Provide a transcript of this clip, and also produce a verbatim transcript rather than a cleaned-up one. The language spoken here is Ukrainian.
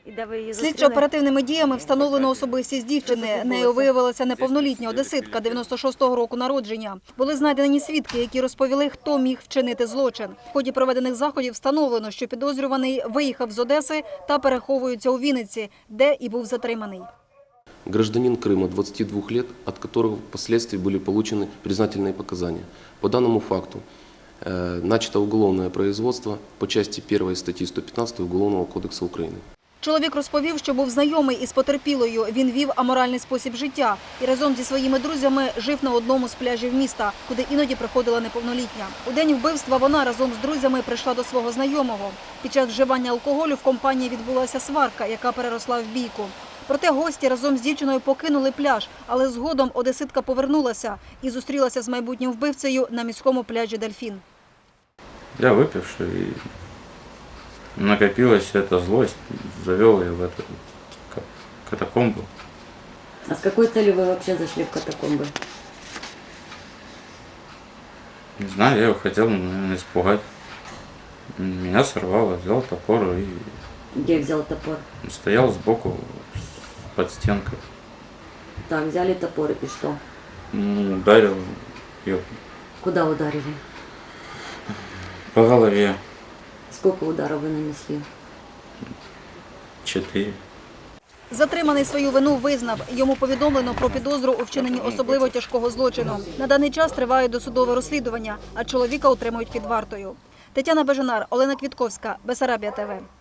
Слідчо-оперативними діями встановлено особистість дівчини. Нею виявилася неповнолітня одеситка дев'яносто шостого року народження. Були знайдені свідки, які розповіли, хто міг вчинити злочин. В ході проведених заходів встановлено, що підозрюваний виїхав з Одеси та переховується у Вінниці, де і був затриманий. Гражданин Крыма, двадцати двух лет, от которого впоследствии были получены признательные показания. По данному факту э, начато уголовное производство по части первой статьи сто пятнадцать Уголовного кодекса Украины. Чоловік розповів, що був знайомий із потерпілою. Він вів аморальний спосіб життя і разом зі своїми друзями жив на одному з пляжів міста, куди іноді приходила неповнолітня. У день вбивства вона разом з друзями прийшла до свого знайомого. Під час вживання алкоголю в компанії відбулася сварка, яка переросла в бійку. Проте гості разом з дівчиною покинули пляж, але згодом одеситка повернулася і зустрілася з майбутнім вбивцею на міському пляжі «Дельфін». Я выпивший, и накопилась эта злость, завел ее в эту катакомбу. А с какой целью вы вообще зашли в катакомбы? Не знаю, я его хотел, наверное, испугать. Меня сорвало, взял топор и... Где взял топор? Стоял сбоку под стенкой. Так, взяли топор и что? Ударил ее. Куда ударили? По голове. Сколько ударов вы нанесли? Четыре. Затриманий свою вину визнав. Йому повідомлено про підозру у вчиненні особливо тяжкого злочину. На даний час триває досудове розслідування, а чоловіка утримують під вартою. Тетяна Бежанар, Олена Квітковська, Бессарабія ТВ.